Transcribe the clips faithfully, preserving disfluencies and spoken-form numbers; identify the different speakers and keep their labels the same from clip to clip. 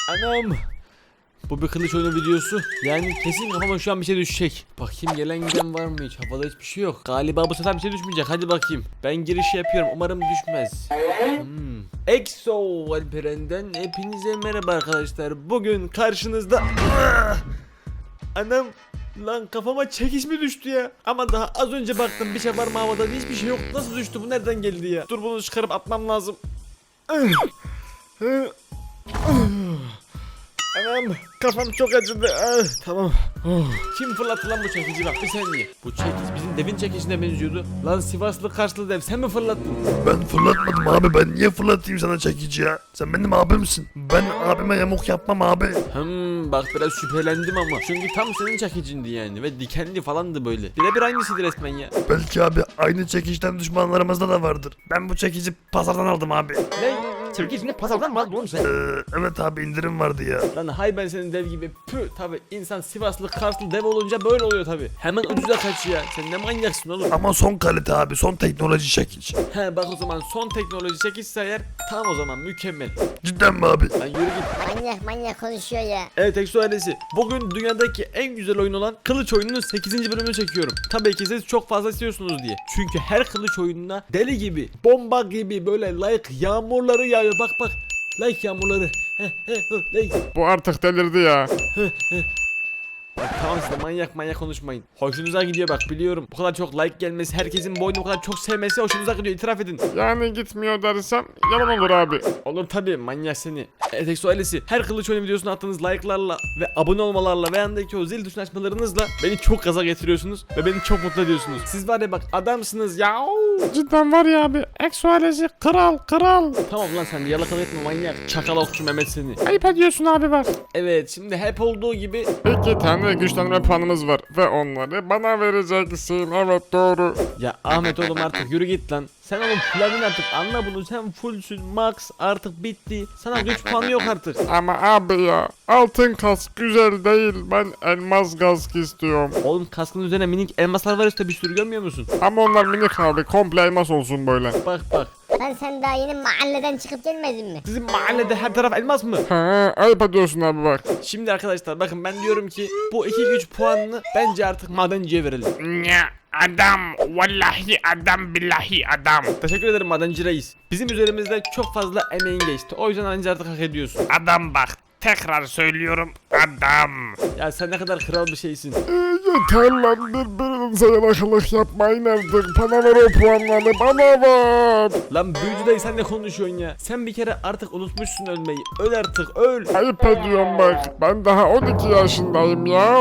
Speaker 1: Anam. Bu bir kılıç oyunu videosu. Yani kesin kafama şu an bir şey düşecek. Bakayım gelen giden var mı hiç? Havada hiçbir şey yok. Galiba bu sefer bir şey düşmeyecek. Hadi bakayım. Ben giriş yapıyorum. Umarım düşmez. Hmm. Exo Alperen'den hepinize merhaba arkadaşlar. Bugün karşınızda... Anam. Lan kafama çekiş mi düştü ya? Ama daha az önce baktım bir şey var mı havada, hiçbir şey yok. Nasıl düştü bu, nereden geldi ya? Dur bunu çıkarıp atmam lazım. Anam kafam çok acıdı. Ah, tamam. Oh. Kim fırlattı lan bu çekici, bak bir saniye. Bu çekiç bizim devin çekicine benziyordu. Lan Sivaslı Karslı dev, sen mi fırlattın?
Speaker 2: Ben fırlatmadım abi, ben niye fırlatayım sana çekici ya? Sen benim abimsin. Ben abime yamuk yapmam abi.
Speaker 1: Hmm, bak biraz şüphelendim ama. Çünkü tam senin çekicindi yani ve dikenli falandı böyle. Birebir aynısıydı resmen ya.
Speaker 2: Belki abi aynı çekişten düşmanlarımızda da vardır. Ben bu çekici pazardan aldım abi.
Speaker 1: Ne? Çekicini pazardan mı aldın oğlum sen?
Speaker 2: Ee, evet abi, indirim vardı ya.
Speaker 1: Lan hay ben senin dev gibi. Püh, tabi insan Sivaslı Karslı dev olunca böyle oluyor tabi. Hemen ucuza kaçıyor. Sen ne manyaksın oğlum.
Speaker 2: Ama son kalite abi, son teknoloji çekiç.
Speaker 1: He bak o zaman son teknoloji çekişse eğer tam o zaman mükemmel.
Speaker 2: Cidden mi abi?
Speaker 1: Lan yürü git.
Speaker 3: Manyak manyak konuşuyor ya.
Speaker 1: Evet Exo ailesi, bugün dünyadaki en güzel oyun olan kılıç oyununun sekizinci bölümünü çekiyorum. Tabii ki siz çok fazla istiyorsunuz diye. Çünkü her kılıç oyununa deli gibi, bomba gibi böyle like yağmurları yağıyor. Bak bak, like yağmurları. Heh, heh, heh, like.
Speaker 4: Bu artık delirdi ya.
Speaker 1: Bak tamam, siz de manyak manyak konuşmayın. Hoşunuza gidiyor bak, biliyorum. Bu kadar çok like gelmesi, herkesin bu oyunu bu kadar çok sevmesi hoşunuza gidiyor, itiraf edin.
Speaker 4: Yani gitmiyor dersem yalan olur abi.
Speaker 1: Olur tabi, manyak seni. Evet Exo ailesi, her kılıç oyunu videosuna attığınız like'larla ve abone olmalarla ve yandaki o zil tuşunu açmalarınızla beni çok gaza getiriyorsunuz ve beni çok mutlu ediyorsunuz. Siz var ya bak, adamsınız ya.
Speaker 4: Cidden var ya abi. Exo ailesi kral kral.
Speaker 1: Tamam lan, sen de yalakalık etme manyak. Çakal okçu Mehmet seni.
Speaker 4: Ayıp ediyorsun abi bak.
Speaker 1: Evet, şimdi hep olduğu gibi
Speaker 4: İki tane güçlenme puanımız var ve onları bana vereceksin. Evet doğru.
Speaker 1: ya Ahmet oğlum, artık yürü git lan. Sen oğlum fulladın artık, anla bunu, sen fullsün, max artık bitti. Sana güç puanı yok artık.
Speaker 4: Ama abi ya, altın kask güzel değil. Ben elmas kask istiyorum.
Speaker 1: Oğlum kaskın üzerine minik elmaslar var işte, bir sürü, görmüyor musun?
Speaker 4: Ama onlar minik abi, komple elmas olsun böyle.
Speaker 1: Bak bak,
Speaker 3: Lan sen daha yeni mahalleden çıkıp gelmedin mi?
Speaker 1: sizin mahallede her taraf elmas mı?
Speaker 4: Ha, ayıp ediyorsun abi bak.
Speaker 1: Şimdi arkadaşlar bakın, ben diyorum ki bu iki güç puanını bence artık madenciye verelim.
Speaker 5: Ya adam, vallahi adam, billahi adam.
Speaker 1: Teşekkür ederim madenci reis. Bizim üzerimizde çok fazla emeğin geçti, o yüzden anca artık hak ediyorsun.
Speaker 5: Adam bak, tekrar söylüyorum, adam.
Speaker 1: Ya sen ne kadar kral bir şeysin.
Speaker 4: Ee, yeter lan, birbirinize yalakalık yapmayın artık. Bana ver o puanları, bana ver.
Speaker 1: Lan büyücü dayı, sen ne konuşuyorsun ya? Sen bir kere artık unutmuşsun ölmeyi. Öl artık, öl.
Speaker 4: Ayıp ediyorum bak. Ben daha on iki yaşındayım ya.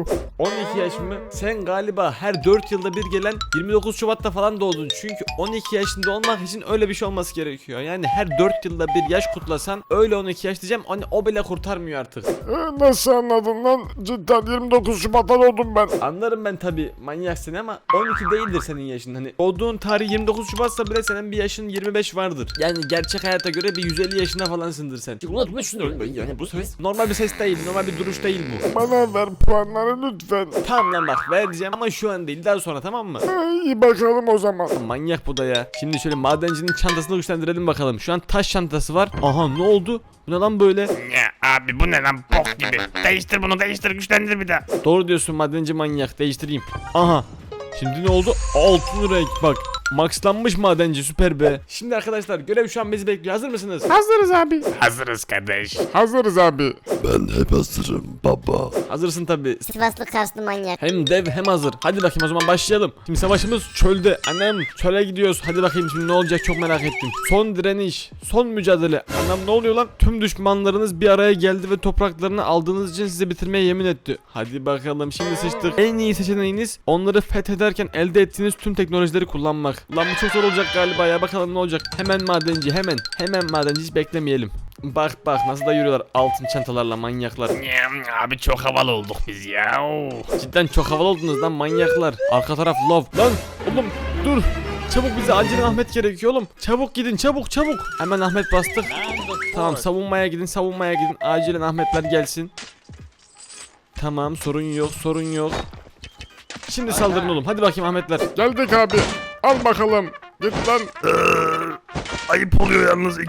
Speaker 1: on iki yaş mı? Sen galiba her dört yılda bir gelen yirmi dokuz Şubat'ta falan doğdun. Çünkü on iki yaşında olmak için öyle bir şey olması gerekiyor. Yani her dört yılda bir yaş kutlasan öyle on iki yaş diyeceğim. Hani o bile kurtarmıyor artık.
Speaker 4: Ee, nasıl anladın lan? Cidden yirmi dokuz Şubat'ta doğdum ben.
Speaker 1: Anlarım ben tabi, manyaksın ama on iki değildir senin yaşın. Hani doğduğun tarih yirmi dokuz Şubat'sa bile senin bir yaşın yirmi beş vardır. Yani gerçek hayata göre bir yüz elli yaşında falansındır sen. Unutmuşsun ölmeyi, yani bu ses normal bir ses değil, normal bir duruş değil bu.
Speaker 4: Bana ver puanları lütfen.
Speaker 1: Tamam lan bak, vereceğim ama şu an değil, daha sonra, tamam mı?
Speaker 4: Ee, iyi bakalım o zaman.
Speaker 1: Manyak bu da ya. Şimdi şöyle madencinin çantasını güçlendirelim bakalım. Şu an taş çantası var. Aha, ne oldu? Bu ne lan böyle?
Speaker 5: Ya abi, bu ne lan, bok gibi. Değiştir bunu, değiştir, güçlendir bir daha.
Speaker 1: Doğru diyorsun madenci manyak. Değiştireyim. Aha. Şimdi ne oldu? Altın renk bak. Maxlanmış madenci, süper be. Şimdi arkadaşlar görev şu an bizi bekliyor. Hazır mısınız?
Speaker 4: Hazırız abi.
Speaker 5: Hazırız kardeş.
Speaker 4: Hazırız abi.
Speaker 2: Ben hep hazırım baba.
Speaker 1: Hazırsın tabi.
Speaker 3: Sivaslı Karslı manyak.
Speaker 1: Hem dev hem hazır. Hadi bakayım o zaman başlayalım. Şimdi savaşımız çölde. Annem, çöle gidiyoruz. Hadi bakayım şimdi ne olacak, çok merak ettim. Son direniş. Son mücadele. Annem, ne oluyor lan? Tüm düşmanlarınız bir araya geldi ve topraklarını aldığınız için size bitirmeye yemin etti. Hadi bakalım, şimdi sıçtık. En iyi seçeneğiniz onları fethederken elde ettiğiniz tüm teknolojileri kullanmak. Lan bu çok zor olacak galiba ya, bakalım ne olacak. Hemen madenci, hemen. Hemen madenci, hiç beklemeyelim. Bak bak nasıl da yürüyorlar altın çantalarla manyaklar.
Speaker 5: Ya abi, çok havalı olduk biz ya.
Speaker 1: Cidden çok havalı oldunuz lan manyaklar. Arka taraf love. Lan oğlum dur. Çabuk, bize acilen Ahmet gerekiyor oğlum. Çabuk gidin, çabuk çabuk. Hemen Ahmet bastık. Tamam, savunmaya gidin, savunmaya gidin. Acilen Ahmetler gelsin. Tamam, sorun yok, sorun yok. Şimdi saldırın oğlum. Hadi bakayım Ahmetler.
Speaker 4: Geldik abi. Al bakalım. Git lan.
Speaker 2: Ee, ayıp oluyor yalnız, ikiye bir.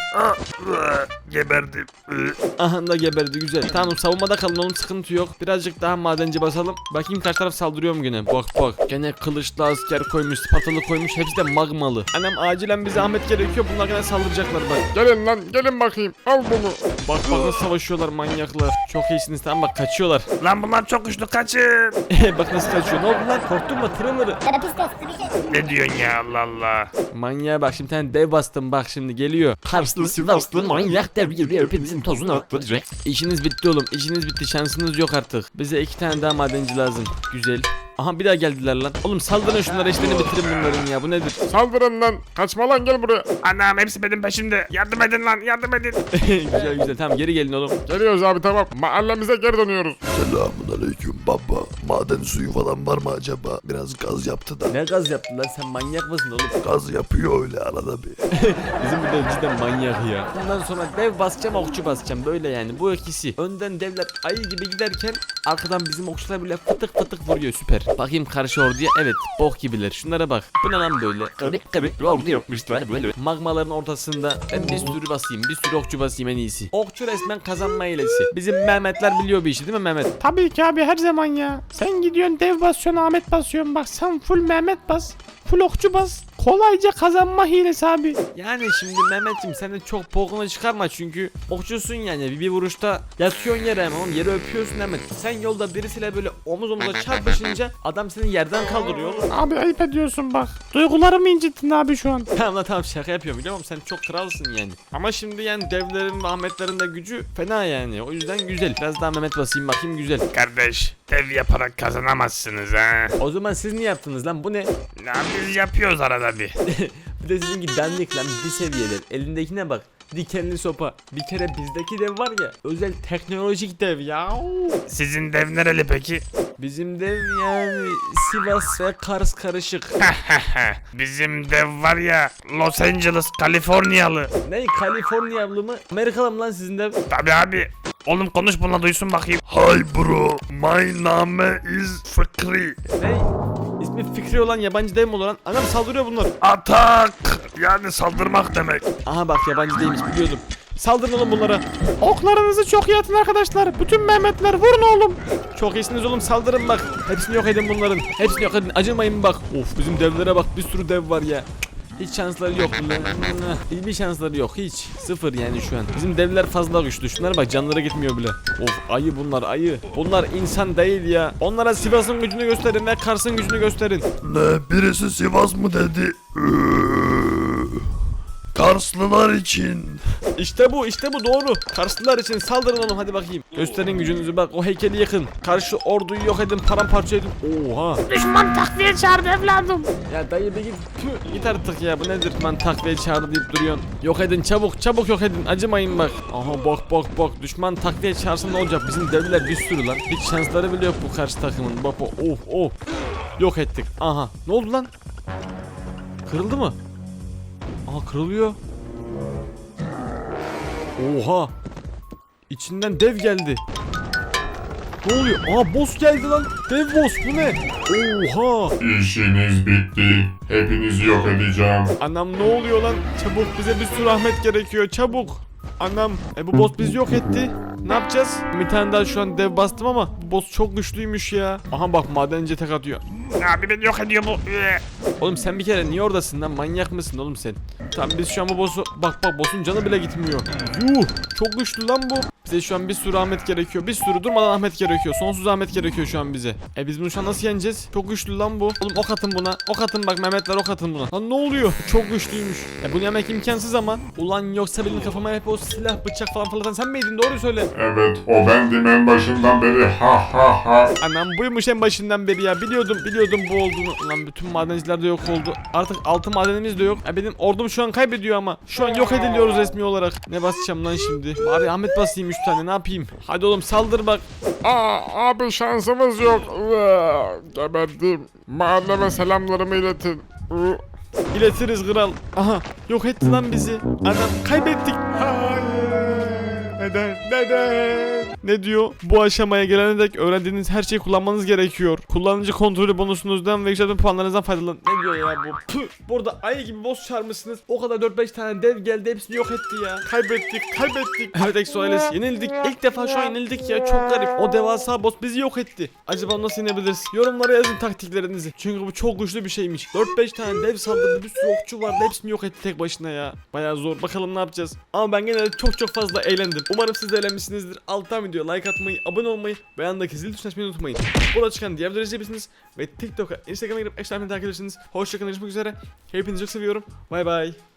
Speaker 2: Ah, ıı, geberdim. Iı.
Speaker 1: Aha da geberdi, güzel. Tamam savunmada kalın oğlum, sıkıntı yok. Birazcık daha madenci basalım. Bakayım kaç taraf saldırıyor mu gene. Bak bak. Gene kılıçlı asker koymuş, spatalı koymuş. Hepsi de magmalı. Annem acilen bize Ahmet gerekiyor. Bunlar gene saldıracaklar bak.
Speaker 4: Gelin lan gelin bakayım. Al bunu.
Speaker 1: Bak bak nasıl savaşıyorlar manyaklar. Çok iyisiniz, tamam bak kaçıyorlar.
Speaker 5: Lan bunlar çok güçlü, kaçın.
Speaker 1: Bak nasıl kaçıyor. Ne oldu lan? Korktun mu? Tırmırı.
Speaker 3: Terapist testi bir şey.
Speaker 5: Ne diyorsun ya, Allah Allah.
Speaker 1: Manyağa bak, şimdi bir tane dev bastım bak, şimdi geliyor.
Speaker 6: Karslı Sivaslı manyak dev gibi hepimizin tozunu attıracak.
Speaker 1: İşiniz bitti oğlum, işiniz bitti, şansınız yok artık. Bize iki tane daha madenci lazım. Güzel. Aha bir daha geldiler lan. Oğlum saldırın şunlara, işlerini bitirin bunların ya, bu nedir?
Speaker 4: Saldırın lan. Kaçma lan gel buraya.
Speaker 5: Anam hepsi benim peşimde. Yardım edin lan, yardım edin.
Speaker 1: Güzel güzel, tamam geri gelin oğlum.
Speaker 4: Geliyoruz abi tamam. Mahallemize geri dönüyoruz.
Speaker 2: Selamun aleyküm baba. Maden suyu falan var mı acaba? Biraz gaz yaptı da.
Speaker 1: Ne gaz yaptın lan, sen manyak mısın oğlum?
Speaker 2: Gaz yapıyor öyle arada bir.
Speaker 1: Bizim burada cidden manyak ya. Bundan sonra dev basacağım, okçu basacağım, böyle yani bu ikisi. Önden devler ayı gibi giderken arkadan bizim okçular bile fıtık fıtık vuruyor, süper. Bakayım karşı orduya, evet bok gibiler, şunlara bak. Bu ne lan böyle?
Speaker 6: Kırık kırık oldu yokmuşlar böyle.
Speaker 1: Magmaların ortasında ben bir sürü basayım, bir sürü okçu basayım en iyisi. Okçu resmen kazanma hilesi. Bizim Mehmetler biliyor bir işi değil mi Mehmet?
Speaker 7: Tabii ki abi, her zaman ya. Sen gidiyorsun dev basıyorsun, Ahmet basıyorsun. Bak sen full Mehmet bas. Full okçu bas. Kolayca kazanma hilesi abi.
Speaker 1: Yani şimdi Mehmet'im sen de çok bokunu çıkarma, çünkü okçusun yani, bir, bir vuruşta yatıyorsun yere hemen oğlum, yere öpüyorsun hemen. Sen yolda birisiyle böyle omuz omuza çarpışınca adam seni yerden kaldırıyor oğlum.
Speaker 7: Abi ayıp ediyorsun bak. Duygularımı incittin abi şu an.
Speaker 1: Tamam lan tamam, şaka yapıyorum biliyor musun, sen çok kralsın yani. Ama şimdi yani devlerin ve Ahmetlerin de gücü fena yani, o yüzden güzel. Biraz daha Mehmet basayım bakayım, güzel.
Speaker 5: Kardeş, dev yaparak kazanamazsınız ha.
Speaker 1: O zaman siz ne yaptınız lan, bu ne?
Speaker 5: Ne biz yapıyoruz arada bir.
Speaker 1: Bir de sizinki dandik lan, bir seviyeler. Elindekine bak, dikenli sopa. Bir kere bizdeki dev var ya, özel teknolojik dev ya.
Speaker 5: Sizin dev nereli peki?
Speaker 1: Bizim dev yani Sivas ve Kars karışık.
Speaker 5: Bizim dev var ya, Los Angeles, Kaliforniyalı.
Speaker 1: Ne, Kaliforniyalı mı? Amerikalı mı lan sizin dev?
Speaker 5: Tabii abi. Oğlum konuş bununla, duysun bakayım.
Speaker 2: Hi bro, my name is Fikri.
Speaker 1: Ne? İsmi Fikri olan yabancı dev mi olur lan? Anam saldırıyor bunlar.
Speaker 2: Atak, yani saldırmak demek.
Speaker 1: Aha bak, yabancı değilmiş, biliyordum. Saldırın oğlum bunlara.
Speaker 7: Oklarınızı çok iyi atın arkadaşlar. Bütün Mehmetler vurun oğlum.
Speaker 1: Çok iyisiniz oğlum, saldırın bak. Hepsini yok edin bunların. Hepsini yok edin, acımayın bak. Of, bizim devlere bak, bir sürü dev var ya. Hiç şansları yok. Hiçbir şansları yok, hiç. Sıfır yani şu an. Bizim devler fazla güçlü. Şunlara bak, canları gitmiyor bile. Of, ayı bunlar, ayı. Bunlar insan değil ya. Onlara Sivas'ın gücünü gösterin ve Kars'ın gücünü gösterin.
Speaker 2: Ne, birisi Sivas mı dedi? Iıı, Karslılar için.
Speaker 1: İşte bu, işte bu doğru. Karslılar için saldırın oğlum, hadi bakayım. Gösterin gücünüzü bak, o heykeli yakın. Karşı orduyu yok edin, paramparça edin. Oha.
Speaker 7: Düşman takviye çağırdı evladım.
Speaker 1: Ya dayı bir git. Tüh, git artık ya, bu nedir lan, takviye çağırdı deyip duruyorsun. Yok edin çabuk, çabuk yok edin, acımayın bak. Aha bak bak bak, düşman takviye çağırsın ne olacak, bizim devliler bir sürü lan. Hiç şansları bile yok bu karşı takımın. Bak bak, of of. Yok ettik. Aha, ne oldu lan? Kırıldı mı? Aha, kırılıyor. Oha. İçinden dev geldi. Ne oluyor? Aa, boss geldi lan. Dev boss, bu ne? Oha.
Speaker 8: İşiniz bitti. Hepinizi yok edeceğim.
Speaker 1: Anam ne oluyor lan? Çabuk, bize bir sürü rahmet gerekiyor, çabuk. Anam, e bu boss bizi yok etti. Ne yapacağız? Bir tane daha şu an dev bastım ama bu boss çok güçlüymüş ya. Aha bak, madenci tek atıyor.
Speaker 5: Abi beni yok ediyor bu. Ee.
Speaker 1: Oğlum sen bir kere niye oradasın lan? Manyak mısın oğlum sen? Tamam, biz şu an bu boss'u... Bak bak, boss'un canı bile gitmiyor. Yuh, çok güçlü lan bu. Bize şu an bir sürü Ahmet gerekiyor. Bir sürü durmadan Ahmet gerekiyor. Sonsuz Ahmet gerekiyor şu an bize. E biz bunu şu an nasıl yeneceğiz? Çok güçlü lan bu. Oğlum ok atın buna. Ok atın bak, Mehmetler ok atın buna. Lan ne oluyor? Çok güçlüymüş. E bunu yemek imkansız ama. Ulan yoksa benim kafama hep o silah, bıçak falan fırlatan sen miydin? Doğruyu söyle.
Speaker 8: Evet, o bendim en başından beri. Ha ha ha.
Speaker 1: Anam buymuş en başından beri ya. Biliyordum biliyordum bu olduğunu. Lan bütün madenciler de yok oldu. Artık altı madenimiz de yok. E benim ordum şu an kaybediyor ama. Şu an yok ediliyoruz resmi olarak. Ne basacağım lan şimdi? Bari Ahmet basayım üç tane, ne yapayım? Hadi oğlum saldır bak.
Speaker 4: Aa abi şansımız yok. Iıı, Geberdim. Mahalleme selamlarımı iletin. Iı.
Speaker 1: İletiriz kral. Aha, yok etti lan bizi. Anam kaybettik.
Speaker 4: Hayır.
Speaker 1: Neden? Neden? Ne diyor? Bu aşamaya gelene dek öğrendiğiniz her şeyi kullanmanız gerekiyor. Kullanıcı kontrolü bonusunuzdan ve yükseltme puanlarınızdan faydalanın. Ne diyor ya bu? Püh! Burada ayı gibi boss çağırmışsınız. O kadar dört beş tane dev geldi, hepsini yok etti ya. Kaybettik, kaybettik. Evet Exo ailesi, yenildik. İlk defa şu an yenildik ya. Çok garip. O devasa boss bizi yok etti. Acaba nasıl yenebiliriz? Yorumlara yazın taktiklerinizi. Çünkü bu çok güçlü bir şeymiş. dört beş tane dev saldırdı. Bir sürü okçu vardı. Hepsini yok etti tek başına ya. Bayağı zor. Bakalım ne yapacağız. Ama ben genelde çok çok fazla eğlendim. Umarım siz de eğlenmişsinizdir. Alttan videoya like atmayı, abone olmayı ve yanındaki zil tuşuna açmayı unutmayın. Burada çıkan diğer videoları izleyebilirsiniz. Ve TikTok'a, Instagram'a girip eşlerimi takip edersiniz. Hoşçakalın. Görüşmek üzere. Hepinizi çok seviyorum. Bay bay.